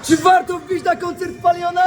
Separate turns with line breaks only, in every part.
Czy warto wbić na koncert Paliona?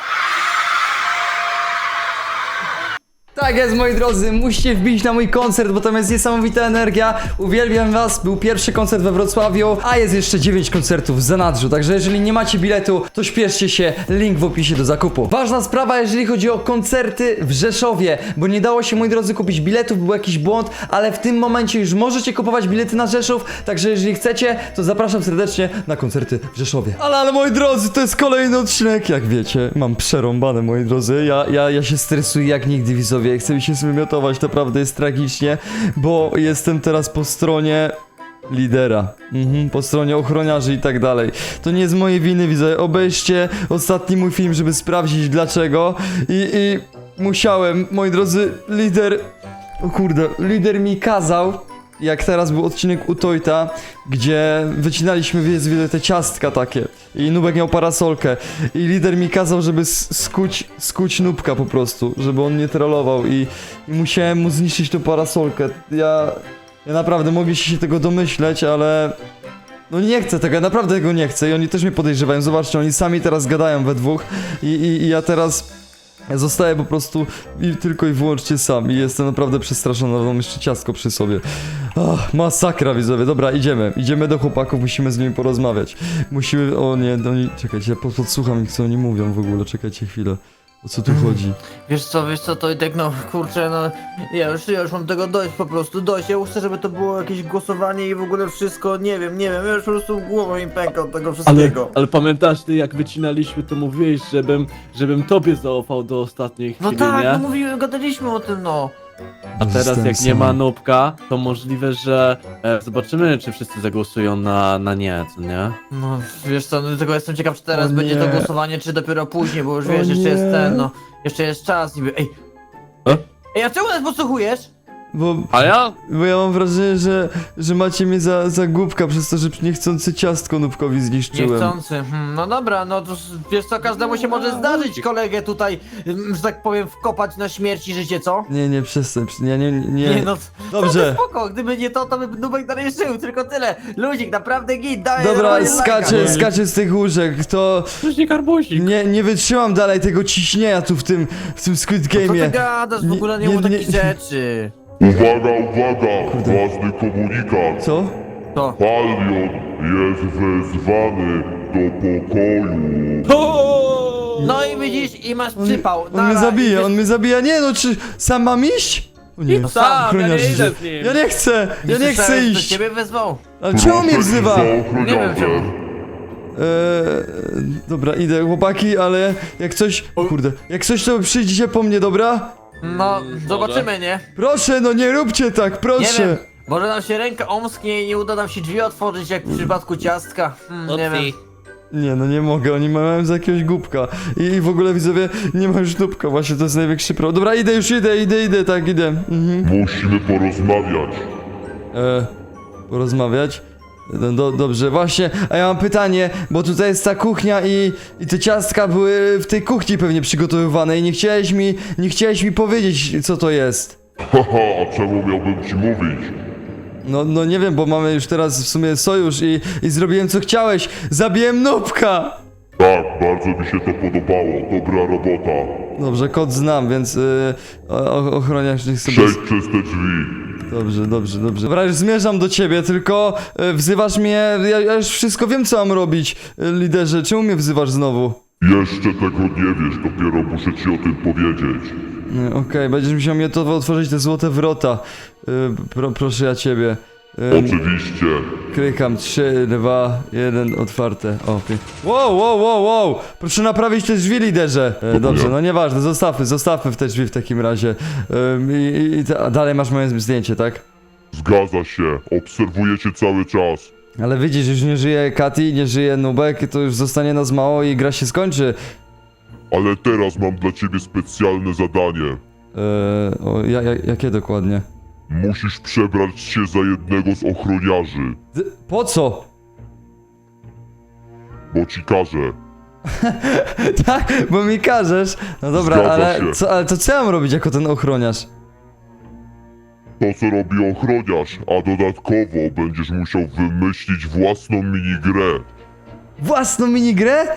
Tak jest, moi drodzy, musicie wbić na mój koncert, bo tam jest niesamowita energia. Uwielbiam was, był pierwszy koncert we Wrocławiu, a jest jeszcze 9 koncertów w zanadrzu. Także jeżeli nie macie biletu, to śpieszcie się, link w opisie do zakupu. Ważna sprawa, jeżeli chodzi o koncerty w Rzeszowie, bo nie dało się, moi drodzy, kupić biletów, był jakiś błąd, ale w tym momencie już możecie kupować bilety na Rzeszów, także jeżeli chcecie, to zapraszam serdecznie na koncerty w Rzeszowie. Ale moi drodzy, to jest kolejny odcinek, jak wiecie, mam przerąbane, moi drodzy, ja się stresuję jak nigdy, widzowie. Chcę mi się zwymiotować, naprawdę jest tragicznie, bo jestem teraz po stronie lidera, po stronie ochroniarzy i tak dalej. To nie z mojej winy, widzę. Obejrzcie ostatni mój film, żeby sprawdzić dlaczego i musiałem, moi drodzy, lider mi kazał, jak teraz był odcinek u Tojta, gdzie wycinaliśmy wiele te ciastka takie i Nubek miał parasolkę i lider mi kazał, żeby skuć Nubka po prostu, żeby on nie trollował i musiałem mu zniszczyć tą parasolkę. Ja naprawdę mogliście się tego domyśleć, ale no nie chcę tego, ja naprawdę tego nie chcę i oni też mnie podejrzewają. Zobaczcie, oni sami teraz gadają we dwóch i ja teraz zostaję po prostu tylko i wyłącznie sam i jestem naprawdę przestraszony, mam jeszcze ciastko przy sobie. Masakra, widzowie. Dobra, idziemy do chłopaków, musimy z nimi porozmawiać. Czekajcie, ja podsłucham ich, co oni mówią w ogóle, czekajcie chwilę. O co tu chodzi?
Wiesz co, to i tak no, kurczę, no, ja już mam tego dość, po prostu dość, ja już chcę, żeby to było jakieś głosowanie i w ogóle wszystko, nie wiem, ja już po prostu głową im pęka od tego wszystkiego.
Ale pamiętasz, ty jak wycinaliśmy, to mówiłeś, żebym tobie zaufał do ostatniej
No
chwili,
tak,
nie?
no mówiłem, gadaliśmy o tym, no.
A teraz
Jestem
jak
sam.
nie ma Nubka, to możliwe, że zobaczymy, czy wszyscy zagłosują na nie, co nie?
No, wiesz co, no, tylko jestem ciekaw, czy teraz
O
będzie to
nie.
głosowanie, czy dopiero później, bo już
O
wiesz, jeszcze jest
nie.
ten, no, jeszcze jest czas niby, ej. Ej, a czemu nas podsłuchujesz?
Bo
ja?
ja mam wrażenie, że macie mnie za głupka przez to, że niechcący ciastko Nubkowi zniszczyłem.
Niechcący, no dobra, no to wiesz co, każdemu się może zdarzyć kolegę tutaj, że tak powiem, wkopać na śmierć i życie, co?
Nie, przestań, ja nie.
Nie no,
Dobrze.
to spoko, gdyby nie to by Nubek dalej żył, tylko tyle. Luzik, naprawdę git, daj
Dobra,
normalnie
skaczę z tych łóżek, to
Przecież nie karbuzik.
nie wytrzymam dalej tego ciśnienia tu w tym Squid
Co ty
Game'ie.
gadasz, w ogóle nie mów takich rzeczy.
Uwaga, ważny komunikat.
Co?
To.
Palion jest wezwany do pokoju.
No i widzisz, i masz przypał.
On mnie zabija, nie no, czy sam mam iść? O nie,
No sam,
ja
ochroniarz
nie
idzie.
idę z nim.
Ja nie chcę
To
iść.
ciebie wezwał.
Ale czemu mnie wzywa?
Za
Nie wiem
ochroniarzem.
czemu.
Dobra, idę chłopaki, ale jak coś, jak coś to przyjdziecie po mnie, dobra?
No, zobaczymy, nie?
Proszę, no nie róbcie tak,
Nie
proszę.
wiem, może nam się ręka omsknie i nie uda nam się drzwi otworzyć, jak w przypadku ciastka. Nie wiem.
Nie, no nie mogę, oni mają za jakiegoś głupka. I w ogóle widzowie, nie ma już dupka, właśnie to jest największy problem. Dobra, idę, tak, idę.
Musimy porozmawiać.
Porozmawiać? No, dobrze, właśnie, a ja mam pytanie, bo tutaj jest ta kuchnia i te ciastka były w tej kuchni pewnie przygotowywane i nie chciałeś mi powiedzieć, co to jest.
Haha, a czemu miałbym ci mówić?
No nie wiem, bo mamy już teraz w sumie sojusz i zrobiłem co chciałeś. Zabiłem Nubka!
Tak, bardzo mi się to podobało. Dobra robota.
Dobrze, kod znam, więc ochroniarz niech sobie...
Przejdź przez te drzwi.
Dobrze. Dobra, już zmierzam do ciebie, tylko wzywasz mnie... Ja już wszystko wiem, co mam robić, liderze. Czemu mnie wzywasz znowu?
Jeszcze tego nie wiesz, dopiero muszę ci o tym powiedzieć.
Okej, będziesz musiał mnie to otworzyć te złote wrota. Proszę ja ciebie.
Oczywiście.
Klykam, 3, 2, 1, otwarte. O, wow! Proszę naprawić te drzwi, liderze. Dobrze, no nieważne, zostawmy w te drzwi w takim razie. A dalej masz moje zdjęcie, tak?
Zgadza się. Obserwuję cię cały czas.
Ale widzisz, już nie żyje Kati, nie żyje Nubek, to już zostanie nas mało i gra się skończy.
Ale teraz mam dla ciebie specjalne zadanie.
Jakie dokładnie?
Musisz przebrać się za jednego z ochroniarzy,
Po co?
bo ci każę.
Tak, bo mi każesz. No dobra,
Zgadza się.
ale to co ja mam robić jako ten ochroniarz?
To, co robi ochroniarz, a dodatkowo będziesz musiał wymyślić własną minigrę.
Własną minigrę?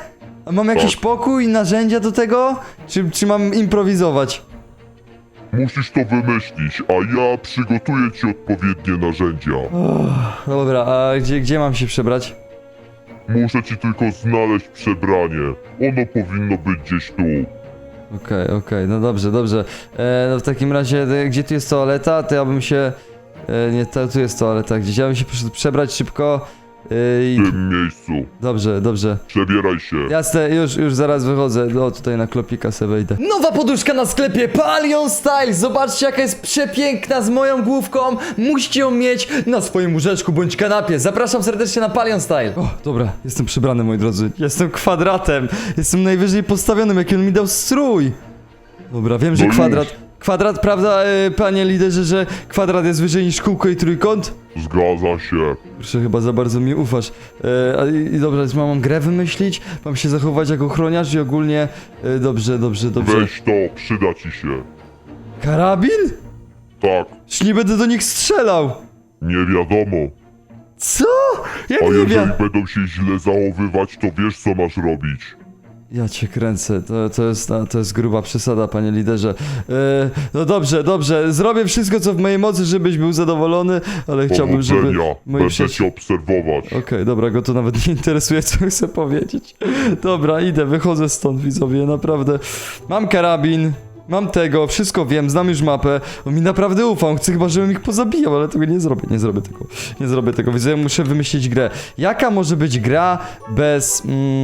A mam jakiś pokój, narzędzia do tego? Czy mam improwizować?
Musisz to wymyślić, a ja przygotuję ci odpowiednie narzędzia.
Dobra, a gdzie mam się przebrać?
Muszę ci tylko znaleźć przebranie. Ono powinno być gdzieś tu.
Okej, no dobrze. No w takim razie, gdzie tu jest toaleta? To ja bym się... nie, tu jest toaleta gdzieś. Ja bym się poszedł przebrać szybko. I...
W tym miejscu.
Dobrze.
Przebieraj się.
Jasne, już zaraz wychodzę. O, tutaj na klopika sobie wejdę. Nowa poduszka na sklepie Palion Style. Zobaczcie, jaka jest przepiękna z moją główką. Musicie ją mieć na swoim łóżeczku bądź kanapie. Zapraszam serdecznie na Palion Style. O, dobra, jestem przebrany, moi drodzy. Jestem kwadratem. Jestem najwyżej postawionym, jaki on mi dał strój. Dobra, wiem, że
No już.
Kwadrat, prawda, panie liderze, że kwadrat jest wyżej niż kółko i trójkąt?
Zgadza się.
Proszę, chyba za bardzo mi ufasz. I dobra, więc mam grę wymyślić, mam się zachować jako ochroniarz i ogólnie... Dobrze.
Weź to, przyda ci się.
Karabin?
Tak,
Już nie będę do nich strzelał.
nie wiadomo.
Co? Jak
A
nie
jeżeli
wiem?
będą się źle zachowywać, to wiesz co masz robić.
Ja cię kręcę, to jest gruba przesada, panie liderze. No dobrze, zrobię wszystko, co w mojej mocy, żebyś był zadowolony, ale chciałbym, żeby...
Powodzenia,
moi
będę
przyjaciele-
cię obserwować.
Okej, dobra, go to nawet nie interesuje, co chcę powiedzieć. Dobra, idę, wychodzę stąd, widzowie, naprawdę. Mam karabin, mam tego, wszystko wiem, znam już mapę. On mi naprawdę ufa, on chce chyba, żebym ich pozabijał, ale tego nie zrobię tego, widzowie, muszę wymyślić grę. Jaka może być gra bez...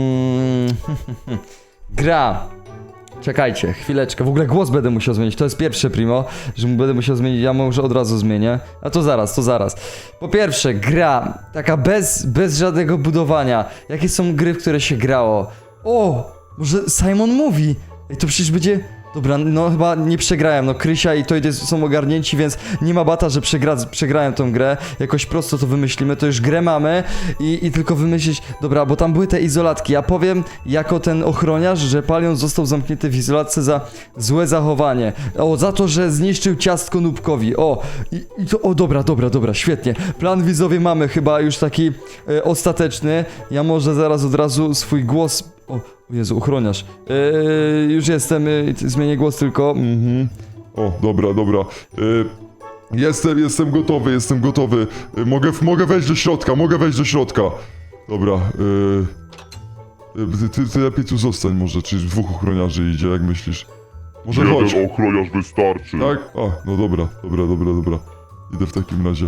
gra... Czekajcie, chwileczkę, w ogóle głos będę musiał zmienić, to jest pierwsze primo, że będę musiał zmienić, ja może od razu zmienię. A to zaraz. Po pierwsze, gra, taka bez żadnego budowania. Jakie są gry, w które się grało? O, może Simon mówi. Ej, to przecież będzie... Dobra, no chyba nie przegrałem, no Krysia i Toid są ogarnięci, więc nie ma bata, że przegrałem tą grę. Jakoś prosto to wymyślimy, to już grę mamy i tylko wymyślić... Dobra, bo tam były te izolatki, ja powiem jako ten ochroniarz, że Palion został zamknięty w izolatce za złe zachowanie. O, za to, że zniszczył ciastko Nubkowi. O, i to... O, dobra, świetnie. Plan widzowie mamy chyba już taki ostateczny. Ja może zaraz od razu swój głos... O Jezu, ochroniarz. Już jestem, zmienię głos tylko.
O, dobra. Jestem gotowy. Mogę wejść do środka. Dobra, ty lepiej tu zostań może, czy dwóch ochroniarzy idzie, jak myślisz? Może chodź.
Jeden ochroniarz wystarczy.
Tak? A, no dobra. Idę w takim razie.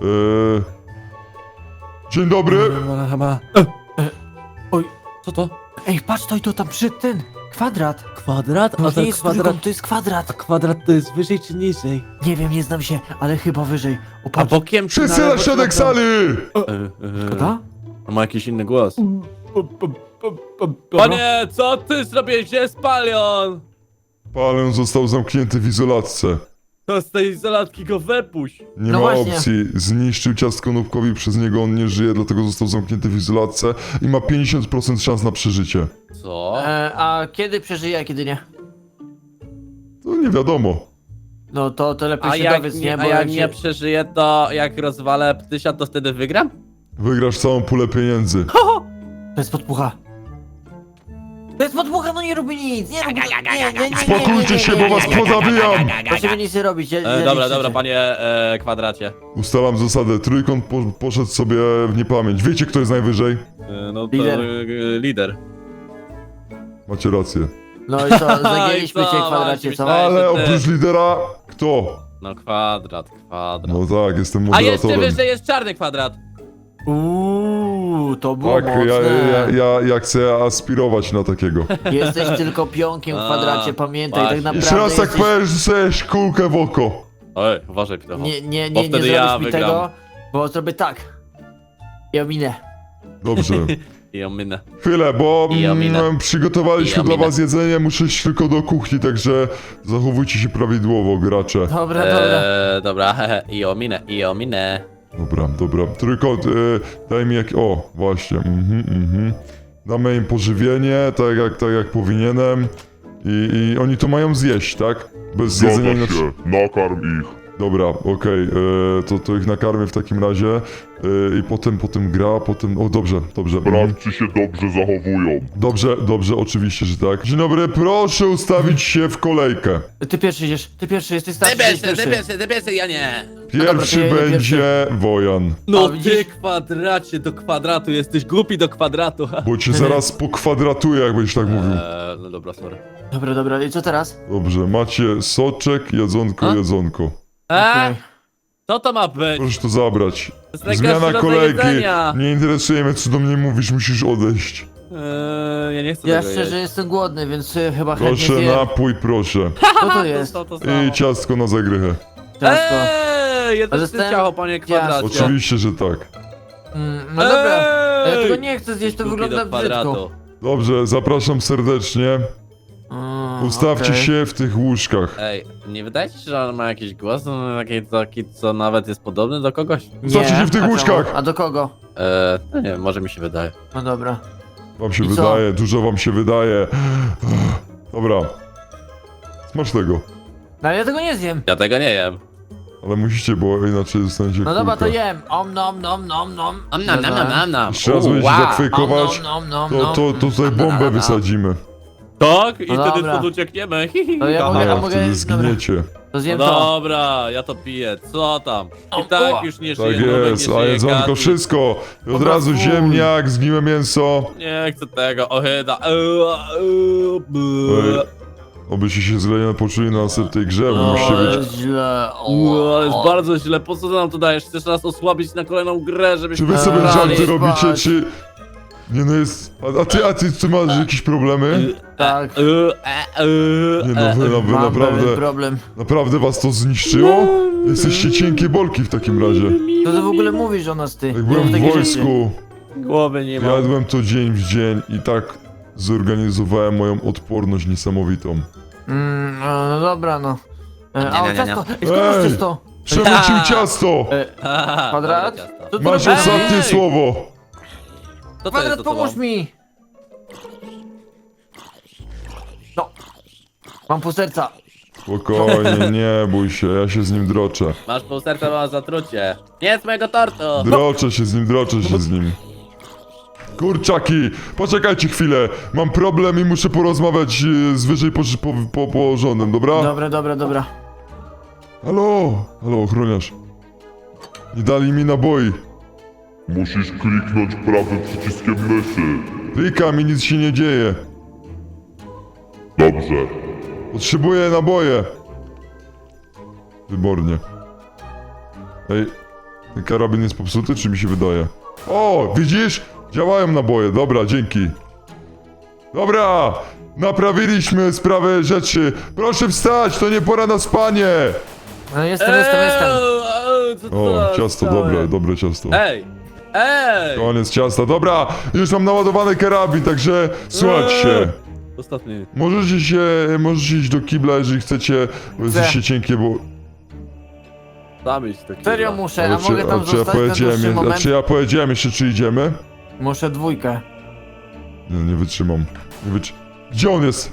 Dzień dobry!
Chyba. Oj, co to?
Ej, patrz, to tam przy ten kwadrat.
Kwadrat?
To
A
nie
ten
jest
kwadrat...
trójkąt, to jest
A
kwadrat.
kwadrat to jest wyżej czy niżej?
Nie wiem, nie znam się, ale chyba wyżej. O,
A
patrz.
bokiem czy
Wszyscy na
lewo, czy
środek
prawo?
sali!
Prawda?
On ma jakiś inny głos.
Dobra.
Panie, co ty zrobiłeś? Gdzie jest Palion?
Palion został zamknięty w izolatce.
To z tej izolatki go wypuść.
Nie
No
ma
właśnie.
opcji. Zniszczył ciastko Nubkowi, przez niego on nie żyje, dlatego został zamknięty w izolatce i ma 50% szans na przeżycie.
Co?
A kiedy przeżyje, a kiedy nie?
To nie wiadomo.
No to lepiej
A
się
jak
dowiedz,
nie,
nie?
a
Bo
jak
jak
nie
się...
przeżyję, to jak rozwalę ptysia, to wtedy wygram?
Wygrasz całą pulę pieniędzy.
To jest podpucha. To jest podpucha, no nie robi nic, nie robi nic.
Spokójcie się, bo was pozabijam!
Proszę nic nie robić,
Dobra, panie kwadracie.
Ustalam zasadę. Trójkąt poszedł sobie w niepamięć. Wiecie, kto jest najwyżej?
No to
Lider.
Lider.
Macie rację.
No i co, zagięliśmy
I co,
cię kwadracie, co?
właśnie
Ale
że ty-
oprócz lidera, kto?
No kwadrat.
No tak, jestem
A jeszcze
moderatorem.
wyżej jest czarny kwadrat.
To było
Tak,
mocne.
ja chcę aspirować na takiego.
Jesteś tylko pionkiem w kwadracie, pamiętaj, tak
właśnie.
naprawdę
Jeszcze raz tak
jesteś...
powiesz, że chcesz kulkę w oko.
Oj, uważaj, Pitocho.
Nie
Bo wtedy
zrobisz
ja
mi
wygram.
tego, bo zrobię tak. I ominę.
Dobrze.
I ominę.
Chwilę, bo
I ominę.
przygotowaliśmy
I
dla
ominę.
was jedzenie, muszę iść tylko do kuchni, także zachowujcie się prawidłowo, gracze.
Dobra.
Dobra, i ominę.
Dobra. Trójkąt, daj mi O, właśnie, Damy im pożywienie, tak jak powinienem. I oni to mają zjeść, tak? Bez jedzenia
Zgadza
inaczej.
się. Nakarm ich.
Dobra, okej, to ich nakarmię w takim razie i potem gra, potem... O, dobrze.
Sprawdź, czy się dobrze zachowują.
Dobrze, oczywiście, że tak. Dzień dobry, proszę ustawić się w kolejkę.
Ty pierwszy idziesz, ty pierwszy, jesteś starszy,
Ty pierwszy, ja nie.
Pierwszy
dobra, to ja
będzie Wojan,
No
A, widzisz?
ty kwadracie do kwadratu, jesteś głupi do kwadratu.
bo cię zaraz pokwadratuję, jak będziesz tak mówił.
No dobra, sorry.
Dobra, i co teraz?
Dobrze, macie soczek,
A?
jedzonko.
Okej.
Co to ma być?
Proszę to zabrać.
To jest najgorszy
Zmiana
rodzaj
kolejki.
jedzenia.
Nie interesuje mnie, co do mnie mówisz, musisz odejść.
Ja nie chcę
Ja
tego
szczerze
jeść.
jestem głodny, więc chyba chętnie
Proszę,
zjem.
napój, proszę.
Co to jest?
To samo.
I ciastko na zagrychę.
Ciastko.
Jedno
Ale
z
jestem-
ciacho, panie kwadracie.
Oczywiście, że tak.
No dobra, ja
Ej!
tego nie chcę zjeść, to
Głupi
wygląda
do kwadratu.
brzydko.
Dobrze, zapraszam serdecznie. Ustawcie
okej.
się w tych łóżkach.
Ej, nie wydaje ci się, że on ma jakiś głos? No, taki, co nawet jest podobny do kogoś?
Ustawcie się w tych
a czemu?
łóżkach.
A do kogo?
No nie wiem, może mi się wydaje.
No dobra.
Wam się
I co?
wydaje, dużo wam się wydaje. Dobra. Smacznego.
No ale ja tego nie zjem.
Ja tego nie jem.
Ale musicie, bo inaczej dostaniecie
No dobra, to
kulkę.
jem. Om nom nom nom nom.
Jeszcze raz będziecie zafejkować,
Om nom nom
to,
nom.
to tutaj bombę wysadzimy.
Tak? I
No
wtedy
dobra.
stąd uciekniemy.
No ja mogę,
Nie,
a mogę...
wtedy
Dobra,
zginiecie.
to zjem
No
to.
dobra, ja to piję. Co tam? I tak już nie żyję.
Tak
Nubek
jest,
nie
a
żyje,
jedzonko,
Gadi.
wszystko. I od
Dobra,
razu
fuj.
ziemniak, zgniłe mięso.
Nie chcę tego, ohyda.
Obyście się źle nie poczuli na następnej grze, bo
O,
musicie być...
jest źle.
To jest bardzo źle, po co ty nam to dajesz? Chcesz nas osłabić na kolejną grę,
Czy
żebyśmy...
wy sobie
Eee,
żarty
spać.
robicie, czy... Nie no jest... A ty masz jakieś problemy?
Tak.
Nie no, wy
Mam pewien
naprawdę...
problem.
Naprawdę was to zniszczyło? Jesteście cienkie bolki w takim razie.
Co ty w ogóle mówisz o nas, ty?
Jak byłem w
Takie rzeczy.
wojsku,
Głowy nie mam.
jadłem to dzień w dzień i tak zorganizowałem moją odporność niesamowitą.
No dobra, no. A o
nie.
ciasto! Ej, skąd masz
Ej!
ciasto?
Przemycił ciasto!
Kwadrat?
Dobre ciasto.
Co ty
Masz
robisz?
ostatnie słowo!
Co to
Kwadrat,
jest za
pomóż
tobą?
mi! No. Mam pół serca.
Spokojnie, nie bój się, ja się z nim droczę.
Masz pół serca, mam zatrucie. Nie z mojego tortu!
Droczę się z nim. Kurczaki, poczekajcie chwilę. Mam problem i muszę porozmawiać z wyżej położonym, dobra?
Dobra.
Halo, ochroniarz. Nie dali mi naboi.
Musisz kliknąć prawym przyciskiem myszy.
Klikam i nic się nie dzieje.
Dobrze.
Potrzebuję naboje. Wybornie. Ej, ten karabin jest popsuty, czy mi się wydaje? O, widzisz? Działają naboje, dobra, dzięki. Dobra, naprawiliśmy sprawę rzeczy. Proszę wstać, to nie pora na spanie.
No jestem.
Co to
O,
za
ciasto,
całe?
dobre ciasto.
Ej!
Koniec ciasta, dobra, już mam naładowany karabin, także słuchajcie się.
Ostatni.
Możecie iść do kibla, jeżeli chcecie, bo jesteście cienkie, bo...
Tam iść do
Serio
kibla.
muszę, a mogę tam
czy ja
zostać na dłuższy
powiedziałem,
moment?
czy ja powiedziałem jeszcze, czy idziemy?
Muszę dwójkę.
Nie wytrzymam. Gdzie on jest?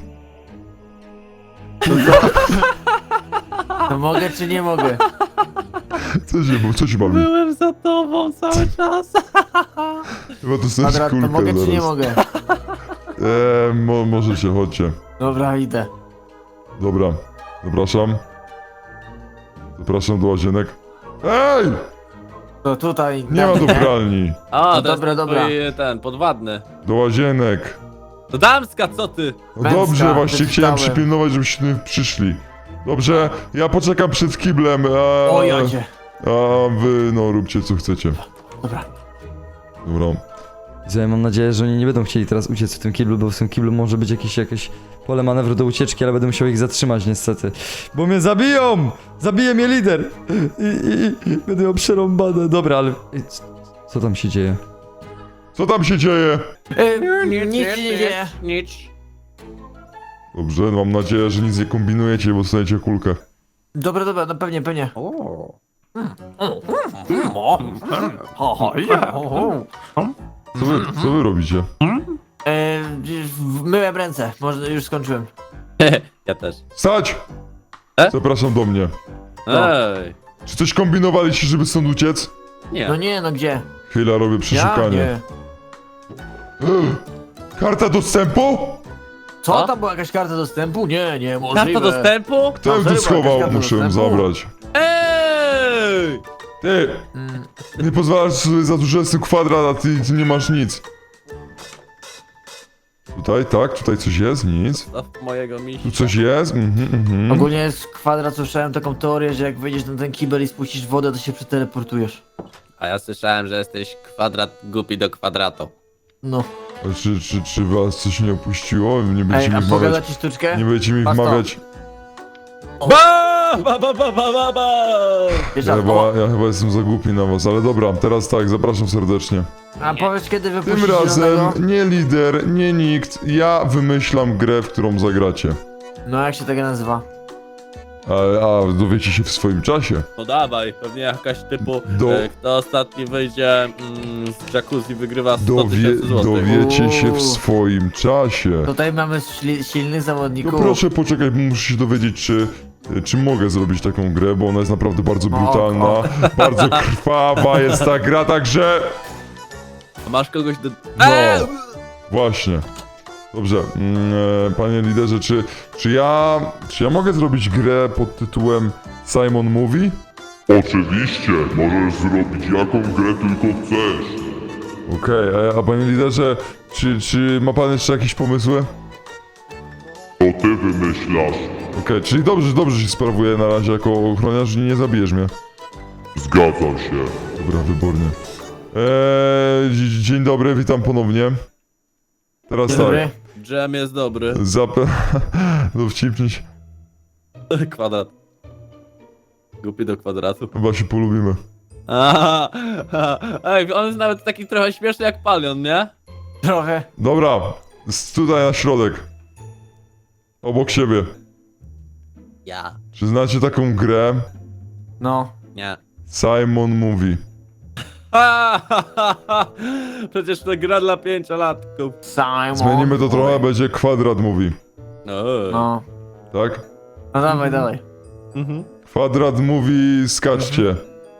To mogę czy nie mogę?
Co się bawi?
Byłem za tobą cały czas.
Chyba to jest
Kwadrat, to
kulkę
mogę czy nie
zaraz.
mogę?
Możecie, chodźcie.
Dobra, idę.
Dobra, zapraszam. Zapraszam do łazienek. Ej!
To tutaj.
Nie ma do pralni.
A,
No
to jest
dobra.
twój, ten, podwadny.
Do łazienek.
To damska, co ty?
No
Męska,
dobrze, właśnie chciałem
wyczytałem.
przypilnować, żebyście przyszli. Dobrze, ja poczekam przed kiblem,
O jadzie.
a wy, no, róbcie co chcecie.
Dobra.
Dobra.
Ja mam nadzieję, że oni nie będą chcieli teraz uciec w tym kiblu, bo w tym kiblu może być jakieś pole manewru do ucieczki, ale będę musiał ich zatrzymać niestety. Bo mnie zabiją! Zabije mnie lider! I będę miał przerąbane. Dobra, ale... Co tam się dzieje?
Co tam się dzieje?
Nic się nie dzieje.
Nic.
Dobrze, mam nadzieję, że nic nie kombinujecie, bo dostaniecie kulkę.
Dobra, no pewnie.
Co wy robicie?
Myłem ręce, może już skończyłem.
Ja też.
Stać!
E?
Zapraszam do mnie.
Ej!
Czy coś kombinowaliście, żeby stąd uciec?
Nie.
No nie, no gdzie?
Chwila, robię
Ja?
przeszukanie.
Nie.
Karta dostępu?
Co,
A?
tam była jakaś karta dostępu? Nie, możliwe.
Karta dostępu?
Kto ją
A,
tu
serio,
schował?
jakaś karta
Muszę ją
dostępu?
zabrać.
Ej!
Ty,
Mm,
nie pozwalasz sobie za dużo, jest tu kwadrat, a ty nie masz nic. Tutaj, tak, tutaj coś jest, nic.
Staw mojego misia.
Tu coś jest,
Ogólnie jest kwadrat, słyszałem taką teorię, że jak wejdziesz na ten kibel i spuścisz wodę, to się przeteleportujesz.
A ja słyszałem, że jesteś kwadrat głupi do kwadratu.
No.
A czy was coś nie opuściło? Nie
Ej,
będziecie
a
mi
pogada
wmawiać,
ci sztuczkę?
nie będziecie mi
Patrz to.
wmawiać.
Ba! Ba, ba, ba, ba, ba, ba!
Wiesz,
Ja chyba jestem za głupi na was, ale dobra, teraz tak, zapraszam serdecznie.
a powiedz kiedy
Tym
wypuścisz
razem
zielonego?
nie lider, nie nikt, ja wymyślam grę, w którą zagracie.
No jak się tego nazywa?
A dowiecie się w swoim czasie.
No dawaj, pewnie jakaś typu,
Do-
kto ostatni wyjdzie z jacuzzi wygrywa 100 tysięcy złotych.
Dowiecie się w
Uuu.
swoim czasie.
Tutaj mamy silnych
No
zawodników.
proszę poczekaj, bo muszę się dowiedzieć, czy mogę zrobić taką grę, bo ona jest naprawdę bardzo brutalna, bardzo krwawa jest ta gra, także...
A masz kogoś do...
No, właśnie. Dobrze, panie liderze, czy ja mogę zrobić grę pod tytułem Simon Mówi?
Oczywiście, możesz zrobić jaką grę tylko chcesz.
Okej, a panie liderze, czy ma pan jeszcze jakieś pomysły?
To ty wymyślasz.
Okej, czyli dobrze się sprawuję na razie jako ochroniarz i nie zabijesz mnie.
Zgadzam się.
Dobra, wybornie. Dzień dobry, witam ponownie. Teraz
Dzień
tak,
dobry.
Dżem jest dobry.
dowcipnić,
Kwadrat. Głupi do kwadratu.
chyba się polubimy.
Aha, ej, on jest nawet taki trochę śmieszny jak Palion, nie?
Trochę.
Dobra, tutaj na środek. Obok siebie.
Ja.
Czy znacie taką grę?
No.
Nie.
Simon Mówi.
Przecież to gra dla 5-latków.
Simon.
Zmienimy to trochę, będzie Kwadrat Mówi.
No.
Tak?
No dawaj.
Mhm.
Kwadrat Mówi, skaczcie.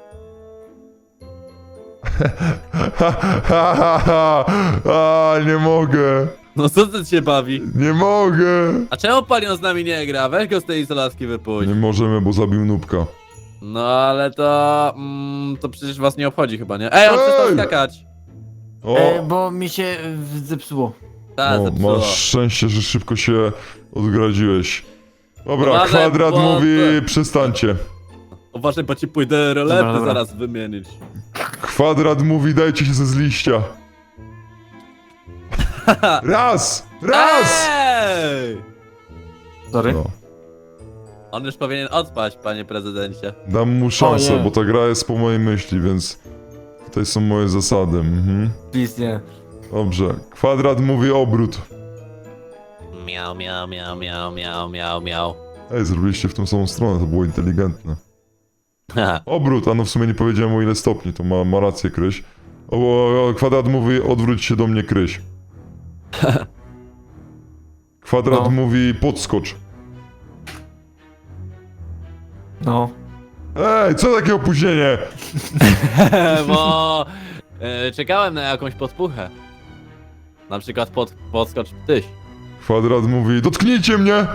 Nie mogę.
No co to cię bawi?
Nie mogę.
A czemu Palion z nami nie gra? Weź go z tej izolacji wypuść.
Nie możemy, bo zabił nubka.
No ale to... to przecież was nie obchodzi chyba, nie? Ej, on przestał
Ej!
skakać!
O,
Bo mi się zepsuło.
Tak,
no,
zepsuło.
masz szczęście, że szybko się odgradziłeś. Dobra,
Uważaj,
Kwadrat
bo-
mówi, przestańcie.
Uważaj, bo ci pójdę rolety
Dobra.
zaraz wymienić.
Kwadrat mówi, dajcie się ze liścia. Raz! Raz!
Ej!
Sorry.
No,
On już powinien odpaść, panie prezydencie.
dam mu szansę,
O nie.
bo ta gra jest po mojej myśli, więc tutaj są moje zasady.
Please, nie.
Dobrze, Kwadrat mówi obrót.
Miau, miau, miau, miau, miau, miau, miau.
Ej, zrobiliście w tą samą stronę, to było inteligentne. Obrót, a no w sumie nie powiedziałem o ile stopni, to ma rację Kryś. Kwadrat mówi, odwróć się do mnie Kryś. Kwadrat
No.
mówi, podskocz.
No.
Ej, co takie opóźnienie?
Bo czekałem na jakąś podpuchę. Na przykład podskocz tyś.
Kwadrat mówi, dotknijcie mnie!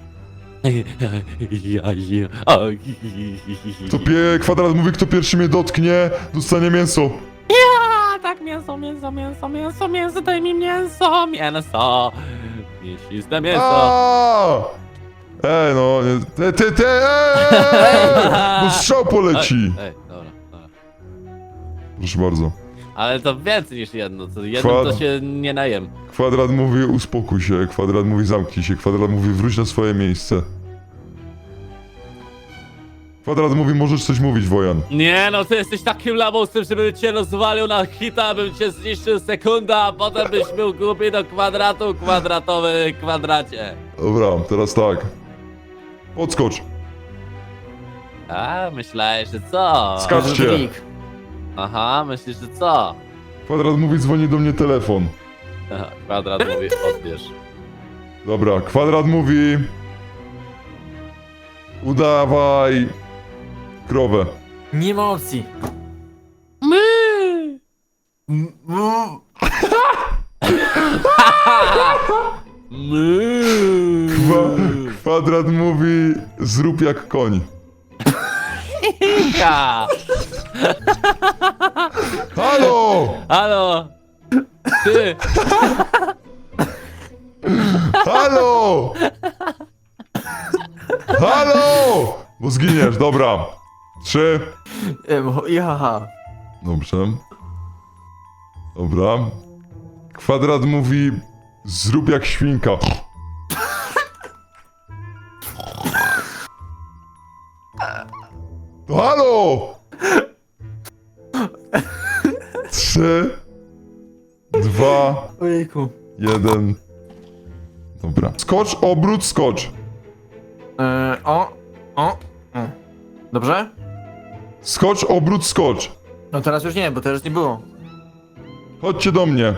Kwadrat mówi, kto pierwszy mnie dotknie, dostanie mięso.
A tak, mięso, daj mi mięso. Mięsiste mięso.
Aaaa! Ej, no, bo strzał poleci.
Ej, dobra.
Proszę bardzo.
Ale to więcej niż jedno, to jedno to się nie najem.
Kwadrat mówi, uspokój się, Kwadrat mówi, zamknij się, Kwadrat mówi, wróć na swoje miejsce. Kwadrat mówi, możesz coś mówić, Wojan.
Nie no, ty jesteś takim lamusem, żebym cię rozwalił na hita, bym cię zniszczył sekunda, a potem byś był głupi do kwadratu, kwadratowy kwadracie.
Dobra, teraz tak. Podskocz.
A, myślałeś, że co?
Skaczcie.
Klik.
Aha, myślisz, że co?
Kwadrat mówi, dzwoni do mnie telefon.
Aha, kwadrat mówi, odbierz.
Dobra, Kwadrat mówi... Udawaj... krowę.
Nie ma opcji.
My!
Kwadrat mówi, zrób jak koń.
Ja.
Halo!
Halo! Ty!
Halo! Halo! Bo zginiesz, dobra. 3.
Jaha.
Dobrze. Dobra. Kwadrat mówi, zrób jak świnka. To halo! 3, 2,
Ojejku.
1. Dobra. Skocz, obrót, skocz.
O. Dobrze?
Skocz, obrót, skocz.
No teraz już nie, bo teraz nie było.
Chodźcie do mnie.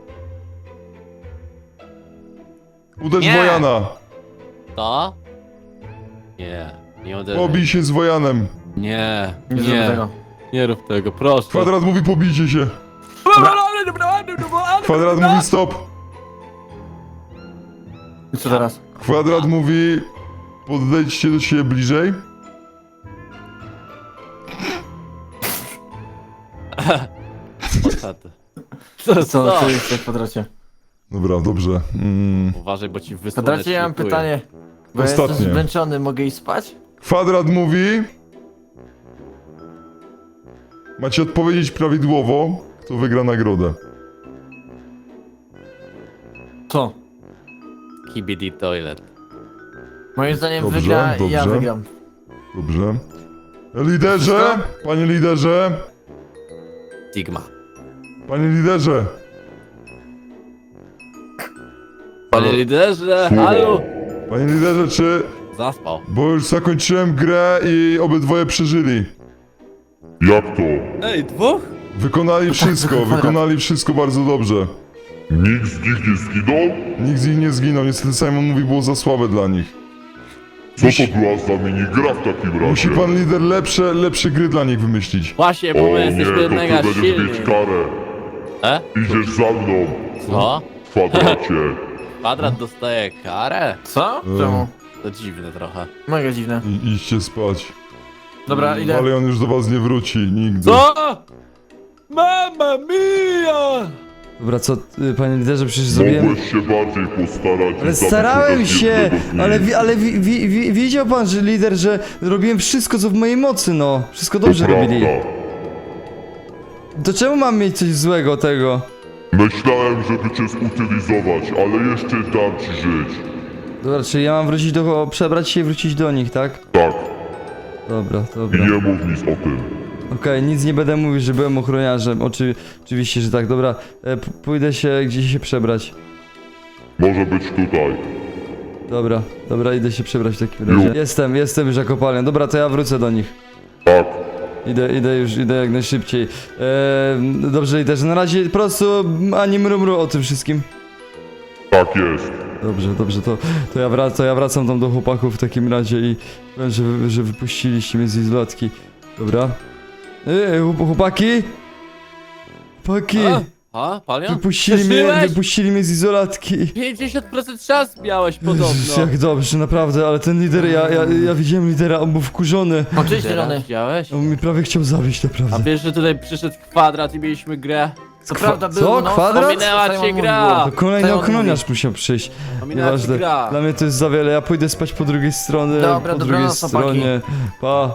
Uderz
Nie.
Wojana.
To? Nie, nie uderzaj.
Pobij się z Wojanem.
Nie,
Nie zrobię tego.
nie rób tego, proszę.
Kwadrat mówi pobijcie się. Kwadrat mówi stop.
I co teraz?
Kwadrat mówi podejdźcie do siebie bliżej.
Co jest w kwadracie?
Dobra, dobrze.
Uważaj, bo ci
W
wysłonę.
kwadracie ja mam pytanie. Bo ja
Ostatnie.
jestem zmęczony, mogę iść spać?
Kwadrat mówi... Macie odpowiedzieć prawidłowo, kto wygra nagrodę.
Co?
KBD Toilet.
Moim zdaniem
Dobrze,
wygra i ja
dobrze.
wygram.
Dobrze. Liderze! Panie liderze!
Sigma.
Panie liderze!
Panie liderze, halo!
Panie liderze, czy...
Zaspał.
Bo już zakończyłem grę i obydwoje przeżyli.
Jak to?
Ej, dwóch?
Wykonali wszystko bardzo dobrze.
Nikt z nich nie zginął?
Nikt z nich nie zginął, niestety Simon mówi, było za słabe dla nich.
Co to była za minigra w takim razie?
Musi pan lider lepsze gry dla nich wymyślić.
Właśnie, bo
O
my
nie,
jesteśmy
to
mega
ty będziesz
silni.
mieć karę.
E?
Idziesz za mną,
Co?
w kwadracie.
Kwadrat dostaje karę?
Co? Czemu?
To dziwne trochę.
Mega dziwne.
Idźcie spać.
Dobra, idę.
Ale on już do was nie wróci, nigdy.
Co? Mamma mia!
Dobra, co, panie liderze, przecież zrobiłem...
Mogłeś się bardziej postarać. i
Ale
zabić
starałem
chociaż
się,
jednego z nich.
ale widział pan, że lider, że robiłem wszystko, co w mojej mocy, no. Wszystko dobrze
To
robili.
prawda.
To czemu mam mieć coś złego tego?
Myślałem, żeby cię zutylizować, ale jeszcze dam ci żyć.
Dobra, czyli ja mam wrócić przebrać się i wrócić do nich, tak?
Tak,
Dobra,
i
dobra.
nie mów nic o tym.
Okej, nic nie będę mówił, że byłem ochroniarzem. Oczywiście, że tak. Dobra, pójdę się gdzieś się przebrać.
Może być tutaj.
Dobra, idę się przebrać w takim razie. Jestem już za kopalnią. Dobra, to ja wrócę do nich.
Tak,
Idę jak najszybciej. Dobrze, liderze, na razie po prostu ani mrumru o tym wszystkim.
tak jest.
Dobrze, to ja wracam tam do chłopaków w takim razie i powiem, że wypuściliście mnie z izolatki. Dobra. Chłopaki? Chłopaki!
A, Palion?
Wypuścili mnie z izolatki.
50% szans miałeś podobno.
Jak dobrze, naprawdę, ale ten lider, ja widziałem lidera, on był wkurzony.
Oczywiście,
Teraz
zielony.
widziałeś?
On mnie prawie chciał zabić,
A
naprawdę.
wiesz, że tutaj przyszedł kwadrat i mieliśmy grę?
Co prawda
co?
było, no.
Kwadrat?
Ominęła cię gra.
To kolejny
Simon
ochroniarz musiał przyjść.
Ominęła ci
Nieważne,
gra.
dla mnie to jest za wiele, ja pójdę spać po drugiej stronie,
Dobra,
po
dobranoc,
drugiej
chłopaki.
stronie. Pa.